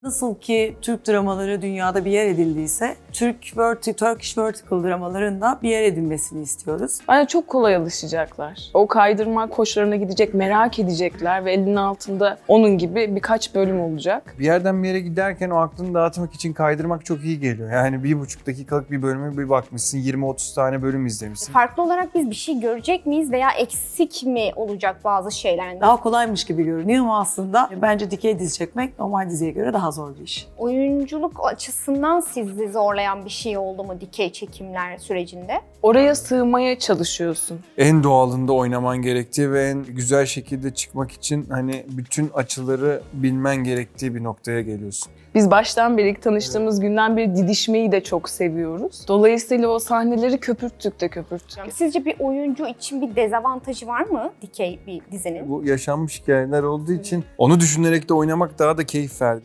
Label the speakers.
Speaker 1: Nasıl ki Türk dramaları dünyada bir yer edildiyse, Turkish Vertical dramaların da bir yer edinmesini istiyoruz.
Speaker 2: Bence çok kolay alışacaklar. O kaydırmak hoşlarına gidecek, merak edecekler ve elinin altında onun gibi birkaç bölüm olacak.
Speaker 3: Bir yerden bir yere giderken o aklını dağıtmak için kaydırmak çok iyi geliyor. Yani 1,5 dakikalık bir bölüme bir bakmışsın, 20-30 tane bölüm izlemişsin.
Speaker 4: Farklı olarak biz bir şey görecek miyiz veya eksik mi olacak bazı şeyler?
Speaker 1: Daha kolaymış gibi görünüyor ama aslında bence dikey dizi çekmek normal diziye göre daha zor bir iş.
Speaker 4: Oyunculuk açısından sizi zorlayan bir şey oldu mu dikey çekimler sürecinde?
Speaker 2: Oraya sığmaya çalışıyorsun.
Speaker 3: En doğalında oynaman gerektiği ve en güzel şekilde çıkmak için hani bütün açıları bilmen gerektiği bir noktaya geliyorsun.
Speaker 2: Biz baştan beri tanıştığımız günden beri didişmeyi de çok seviyoruz. Dolayısıyla o sahneleri köpürttük de köpürttük.
Speaker 4: Sizce bir oyuncu için bir dezavantajı var mı dikey bir dizinin?
Speaker 3: Bu yaşanmış hikayeler olduğu için onu düşünerek de oynamak daha da keyif verdi.